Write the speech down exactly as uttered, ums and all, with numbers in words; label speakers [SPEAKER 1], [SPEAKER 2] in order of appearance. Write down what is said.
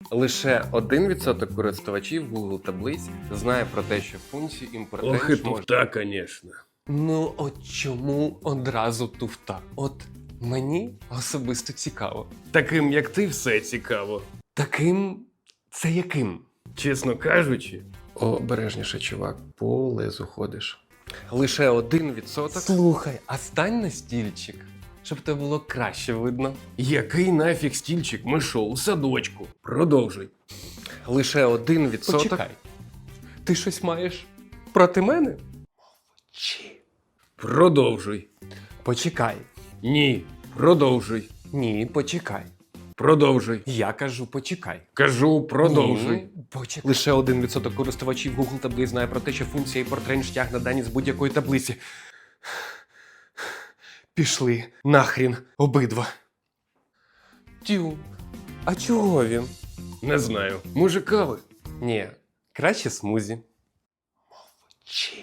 [SPEAKER 1] Лише один відсоток користувачів Google таблиць знає про те, що функцію імпорт
[SPEAKER 2] Ох і
[SPEAKER 1] рейндж можна...
[SPEAKER 2] туфта, конечно.
[SPEAKER 1] Ну от чому одразу туфта? От мені особисто цікаво.
[SPEAKER 2] Таким, як ти, все цікаво.
[SPEAKER 1] Таким це яким?
[SPEAKER 2] Чесно кажучи,
[SPEAKER 1] Обережніше, чувак, по лезу ходиш. Лише один відсоток. Слухай, а стань на стільчик, щоб тебе було краще видно.
[SPEAKER 2] який нафіг стільчик, ми шо, у садочку. Продовжуй.
[SPEAKER 1] Лише один відсоток.
[SPEAKER 3] Почекай. Ти щось маєш проти мене?
[SPEAKER 1] Чи?
[SPEAKER 2] Продовжуй.
[SPEAKER 3] Почекай.
[SPEAKER 2] Ні, продовжуй.
[SPEAKER 3] Ні, почекай.
[SPEAKER 2] Продовжуй.
[SPEAKER 3] Я кажу, почекай.
[SPEAKER 2] Кажу, продовжуй.
[SPEAKER 3] Ні, почекай.
[SPEAKER 1] Лише один відсоток користувачів Google таблиць знає про те, що функція імпорт рейндж тягне дані з будь-якої таблиці.
[SPEAKER 3] Пішли нахрін обидва.
[SPEAKER 1] Тю. А чого він?
[SPEAKER 2] Не знаю. Може, кави?
[SPEAKER 3] Ні, краще смузі.
[SPEAKER 1] Чи?